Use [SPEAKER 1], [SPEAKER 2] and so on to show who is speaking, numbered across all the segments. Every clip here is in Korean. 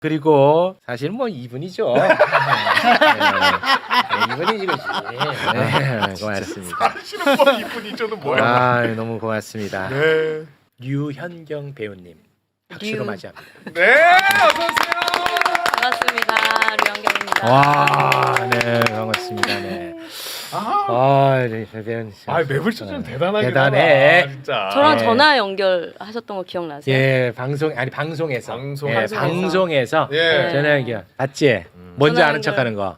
[SPEAKER 1] 그리고 사실 뭐 이분이죠. 네, 이분이 이거지. 네, 고맙습니다.
[SPEAKER 2] 사실은 뭐 이분이죠는 뭐야?
[SPEAKER 1] 아, 너무 고맙습니다.
[SPEAKER 2] 네.
[SPEAKER 1] 류현경 배우님 박수로 맞이합니다.
[SPEAKER 2] 네, 어서 오세요.
[SPEAKER 3] 반갑습니다. 류현경입니다.
[SPEAKER 1] 와, 네, 반갑습니다. 네. 네, 배우님.
[SPEAKER 2] 매불쇼는 대단하긴
[SPEAKER 1] 대단해.
[SPEAKER 2] 하다, 진짜.
[SPEAKER 3] 저랑
[SPEAKER 1] 네.
[SPEAKER 3] 전화 연결하셨던 거 기억나세요?
[SPEAKER 1] 예, 방송에서.
[SPEAKER 2] 방송에서.
[SPEAKER 1] 방송에서.
[SPEAKER 2] 예.
[SPEAKER 1] 전화 연결. 봤지? 먼저
[SPEAKER 3] 전화
[SPEAKER 1] 아는
[SPEAKER 3] 연결.
[SPEAKER 1] 척하는 거.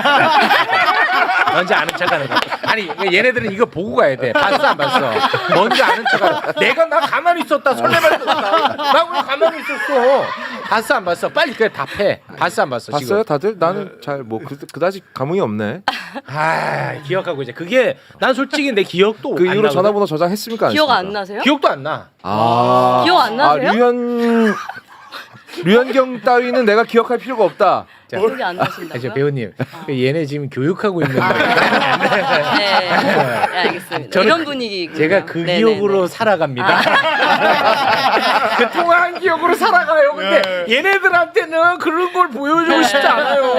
[SPEAKER 1] 먼저 아는 척하는 거. 아니 얘네들은 이거 보고 가야 돼. 봤어 안 봤어? 먼저 아는 척하는 거. 내가 나 가만히 있었다. 설레발 떴다. 나 왜 가만히 있었어? 봤어 안 봤어? 빨리 그래 답해. 봤어 안 봤어?
[SPEAKER 4] 봤어요
[SPEAKER 1] 지금?
[SPEAKER 4] 다들? 나는 잘 뭐 그다지 감흥이 없네.
[SPEAKER 1] 아 기억하고 이제 그게 난 솔직히 내 기억도
[SPEAKER 4] 그
[SPEAKER 1] 안
[SPEAKER 4] 이후로
[SPEAKER 1] 나거든.
[SPEAKER 4] 전화번호 저장했습니까? 안
[SPEAKER 3] 기억 안
[SPEAKER 4] 했습니까?
[SPEAKER 3] 나세요?
[SPEAKER 1] 기억도 안 나.
[SPEAKER 4] 아
[SPEAKER 3] 기억 안 나세요?
[SPEAKER 4] 류현경 따위는 내가 기억할 필요가 없다.
[SPEAKER 3] 기억이 안
[SPEAKER 1] 아,
[SPEAKER 3] 나신다고요?
[SPEAKER 1] 저 배우님 얘네 지금 교육하고 있는 거예요.
[SPEAKER 3] 네, 알겠습니다.
[SPEAKER 1] 저는
[SPEAKER 3] 이런 분위기.
[SPEAKER 1] 제가 그 기억으로 살아갑니다. 그 통화한 기억으로 살아가요. 근데
[SPEAKER 2] 네.
[SPEAKER 1] 얘네들한테는 그런 걸 보여주고 싶지 않아요.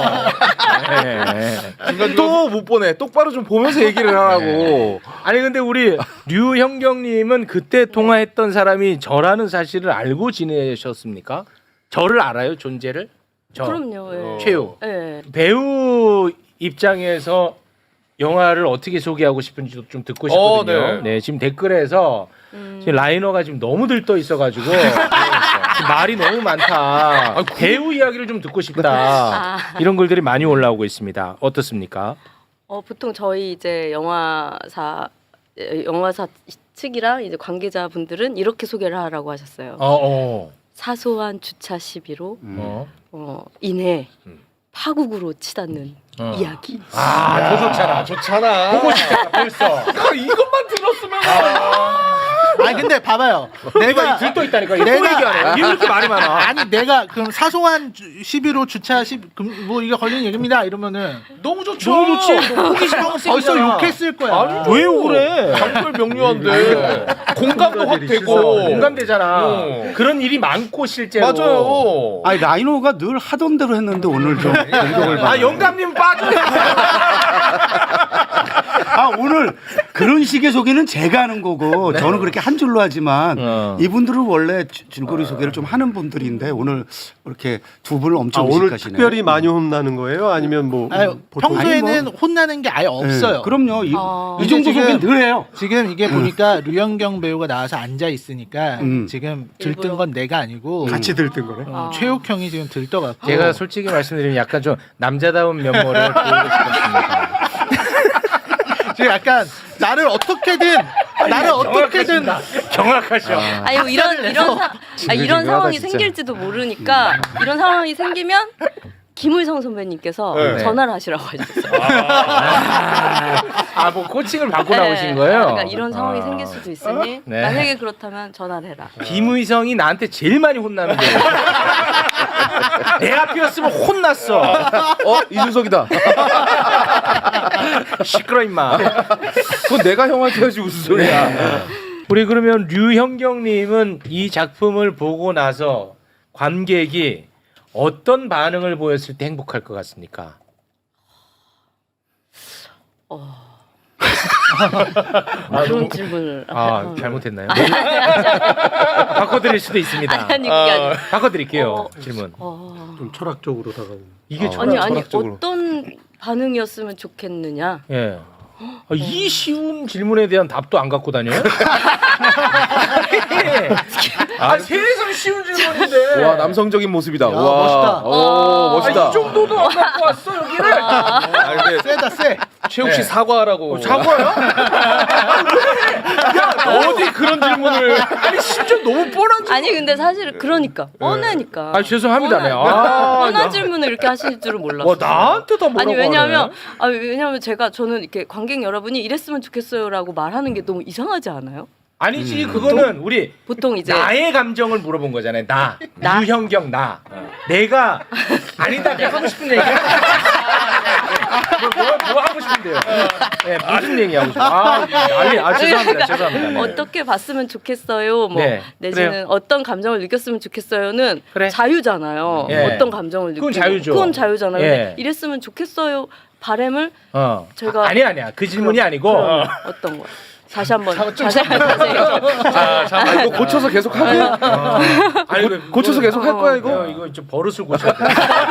[SPEAKER 1] 네.
[SPEAKER 4] 또 못 보내. 똑바로 좀 보면서 얘기를 하라고.
[SPEAKER 1] 아니 근데 우리 류현경님은 그때 통화했던 사람이 저라는 사실을 알고 지내셨습니까? 저를 알아요, 존재를? 저
[SPEAKER 3] 그럼요. 예.
[SPEAKER 1] 최욱
[SPEAKER 3] 예.
[SPEAKER 1] 배우 입장에서 영화를 어떻게 소개하고 싶은지도 좀 듣고 싶거든요. 네, 지금 댓글에서 지금 라이너가 지금 너무 들떠 있어가지고 지금 말이 너무 많다. 배우 이야기를 좀 듣고 싶다. 이런 글들이 많이 올라오고 있습니다. 어떻습니까?
[SPEAKER 3] 보통 저희 이제 영화사 측이랑 이제 관계자분들은 이렇게 소개를 하라고 하셨어요. 사소한 주차 시비로 인해 파국으로 치닫는 이야기.
[SPEAKER 1] 더 좋잖아.
[SPEAKER 2] 좋잖아.
[SPEAKER 1] 보고 싶잖아 벌써.
[SPEAKER 2] 이것만 들었으면.
[SPEAKER 5] 아니 근데 봐봐요.
[SPEAKER 1] 내가 들떠 있다니까. 이거
[SPEAKER 5] 내가-
[SPEAKER 1] 얘기하네. 이렇게 말이 많아.
[SPEAKER 5] 아니 내가 그럼 사소한 시비로 주차 뭐 이게 걸리는 얘기입니다 이러면은
[SPEAKER 1] 너무 좋죠. 너무 좋지.
[SPEAKER 5] 벌써 욕했을 거야.
[SPEAKER 1] 왜 그래?
[SPEAKER 2] 장글 명료한데 공감도 확 되고.
[SPEAKER 1] 공감되잖아. 그런 일이 많고 실제로.
[SPEAKER 2] 맞아요.
[SPEAKER 6] 아니 라이노가 늘 하던 대로 했는데 오늘 좀 공격을 받아.
[SPEAKER 1] 아 영감님 빠져.
[SPEAKER 6] 아 오늘 그런 식의 소개는 제가 하는 거고 저는 그렇게 한 줄로 하지만 이분들은 원래 줄거리 소개를 좀 하는 분들인데 오늘 이렇게 두 분을 엄청
[SPEAKER 7] 오늘
[SPEAKER 6] 의식하시네.
[SPEAKER 7] 특별히 많이 혼나는 거예요? 아니면 뭐
[SPEAKER 5] 아니, 평소에는 혼나는 게 아예 없어요.
[SPEAKER 6] 그럼요. 이
[SPEAKER 5] 이게
[SPEAKER 6] 정도
[SPEAKER 5] 지금-
[SPEAKER 6] 소개는 늘 해요.
[SPEAKER 5] 지금 이게 보니까 류현경 배우가 나와서 앉아 있으니까 지금 들뜬
[SPEAKER 3] 일부러.
[SPEAKER 5] 건 내가 아니고
[SPEAKER 7] 같이 들뜬 거네.
[SPEAKER 5] 최욱 형이 지금 들떠갖고
[SPEAKER 1] 제가 솔직히 말씀드리면 약간 좀 남자다운 면모를 보이고 싶었습니다.
[SPEAKER 5] 지금 약간 나를 어떻게든
[SPEAKER 1] 정확하셔.
[SPEAKER 3] 아니 뭐 이런 상황이
[SPEAKER 4] 진짜.
[SPEAKER 3] 생길지도 모르니까 이런 상황이 생기면 김울성 선배님께서
[SPEAKER 2] 네.
[SPEAKER 3] 전화를 하시라고 하셨어요.
[SPEAKER 1] 뭐 코칭을 받고
[SPEAKER 3] 네.
[SPEAKER 1] 나오신 거예요?
[SPEAKER 3] 그러니까 이런 상황이 생길 수도 있으니
[SPEAKER 1] 네.
[SPEAKER 3] 만약에 그렇다면 전화를 해라.
[SPEAKER 1] 김의성이 나한테 제일 많이 혼나는 거예요. 내 앞이었으면 혼났어.
[SPEAKER 4] 이준석이다.
[SPEAKER 1] 시끄러 임마.
[SPEAKER 4] 그건 내가 형한테 해야지 무슨 소리야.
[SPEAKER 1] 우리 그러면 류현경님은 이 작품을 보고 나서 관객이 어떤 반응을 보였을 때 행복할 것 같습니까?
[SPEAKER 3] 그런 질문을
[SPEAKER 1] 잘못했나요? 바꿔드릴 수도 있습니다.
[SPEAKER 3] 아니 그게 아니라
[SPEAKER 1] 바꿔드릴게요. 질문.
[SPEAKER 7] 좀 철학적으로 다가오는.
[SPEAKER 1] 이게
[SPEAKER 3] 아니
[SPEAKER 4] 철학적으로.
[SPEAKER 3] 어떤 반응이었으면 좋겠느냐.
[SPEAKER 1] 예. 이 쉬운 질문에 대한 답도 안 갖고 다녀요? 세상 쉬운 질문인데.
[SPEAKER 4] 와 남성적인 모습이다. 와
[SPEAKER 5] 멋있다.
[SPEAKER 4] 오 멋있다.
[SPEAKER 1] 이 정도도 안 갖고 왔어 여기를.
[SPEAKER 5] 세다 세.
[SPEAKER 2] 최욱 씨 사과하라고.
[SPEAKER 1] 사과야? 야 어디 그런 질문을? 아니 심지어 너무 뻔한 질문.
[SPEAKER 3] 아니 근데 사실 그러니까 뻔하니까.
[SPEAKER 1] 죄송합니다. 네.
[SPEAKER 3] 뻔한 질문을 이렇게 하실 줄은 몰랐어요.
[SPEAKER 1] 와 나한테 다 뭐라고
[SPEAKER 3] 아니
[SPEAKER 1] 하네.
[SPEAKER 3] 왜냐면 저는 이렇게 관객 여러분이 이랬으면 좋겠어요라고 말하는 게 너무 이상하지 않아요?
[SPEAKER 1] 아니지 그거는 우리
[SPEAKER 3] 보통 이제
[SPEAKER 1] 나의 감정을 물어본 거잖아요. 나 류현경 나 내가 아니다 내가 하고 싶은 얘기야. 뭐 하고 싶은데요? 네, 무슨 얘기 하고 싶어요? 아, 난리. 아, 죄송합니다. 네.
[SPEAKER 3] 어떻게 봤으면 좋겠어요. 뭐
[SPEAKER 1] 네,
[SPEAKER 3] 내지는
[SPEAKER 1] 그래요.
[SPEAKER 3] 어떤 감정을 느꼈으면 좋겠어요는
[SPEAKER 1] 그래.
[SPEAKER 3] 자유잖아요.
[SPEAKER 1] 예.
[SPEAKER 3] 어떤 감정을
[SPEAKER 1] 그건
[SPEAKER 3] 느끼고
[SPEAKER 1] 자유죠.
[SPEAKER 3] 그건 자유잖아요.
[SPEAKER 1] 예.
[SPEAKER 3] 근데 이랬으면 좋겠어요. 바람을 저희가
[SPEAKER 1] 아니야. 그 질문이 아니고
[SPEAKER 3] 어떤 거? 다시 한번 자세히.
[SPEAKER 4] 아, 이거 고쳐서 계속 하게?
[SPEAKER 1] 아니,
[SPEAKER 4] 고쳐서 계속 할 거야 이거?
[SPEAKER 1] 이거 좀 버릇을 고쳐야 돼.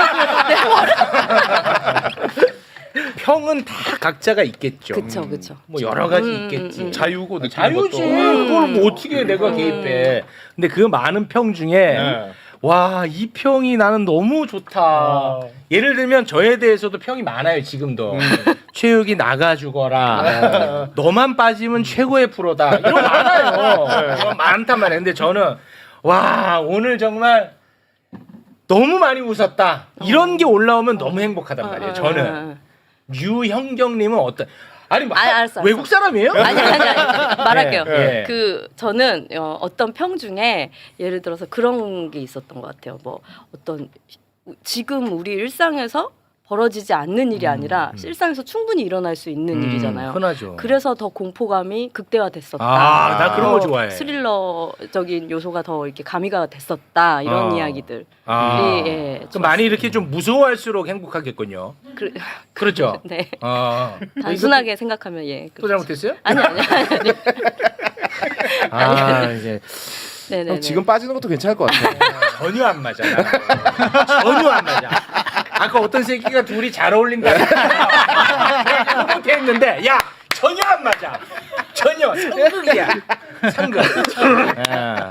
[SPEAKER 1] 평은 다 각자가 있겠죠.
[SPEAKER 3] 그쵸.
[SPEAKER 1] 뭐 여러 가지 있겠지.
[SPEAKER 2] 자유고 느끼는
[SPEAKER 1] 자유지.
[SPEAKER 2] 것도.
[SPEAKER 1] 그걸 뭐 어떻게 내가 개입해? 근데 그 많은 평 중에
[SPEAKER 2] 네.
[SPEAKER 1] 와, 이 평이 나는 너무 좋다. 예를 들면 저에 대해서도 평이 많아요, 지금도. 최욱이 나가 죽어라. 너만 빠지면 최고의 프로다. 이런 거 많아요. 이런 거 많단 말이에요. 근데 저는 와, 오늘 정말 너무 많이 웃었다. 이런 게 올라오면 너무 행복하단 말이에요. 저는. 류형경님은 어떤? 아니,
[SPEAKER 3] 알았어.
[SPEAKER 1] 외국 사람이에요?
[SPEAKER 3] 아니 말할게요.
[SPEAKER 1] 예.
[SPEAKER 3] 그 저는 어떤 평 중에 예를 들어서 그런 게 있었던 것 같아요. 뭐 어떤 지금 우리 일상에서 벌어지지 않는 일이 아니라 일상에서 충분히 일어날 수 있는 일이잖아요.
[SPEAKER 1] 흔하죠.
[SPEAKER 3] 그래서 더 공포감이 극대화됐었다.
[SPEAKER 1] 아, 나 그런 거
[SPEAKER 3] 더
[SPEAKER 1] 좋아해.
[SPEAKER 3] 스릴러적인 요소가 더 이렇게 가미가 됐었다. 이런 이야기들. 예,
[SPEAKER 1] 그럼 많이 이렇게 좀 무서워할수록 행복하겠군요. 그렇죠.
[SPEAKER 3] 네.
[SPEAKER 1] 또
[SPEAKER 3] 단순하게 생각하면 예. 그렇죠.
[SPEAKER 1] 잘못했어요?
[SPEAKER 3] 아니.
[SPEAKER 1] 이제
[SPEAKER 3] 네네.
[SPEAKER 4] 형 지금 빠지는 것도 괜찮을 것 같아.
[SPEAKER 1] 전혀 안 맞아. 전혀 안 맞아. 아까 어떤 새끼가 둘이 잘 어울린다. 그렇게 했는데 야 전혀 안 맞아. 전혀 상극이야. 상극.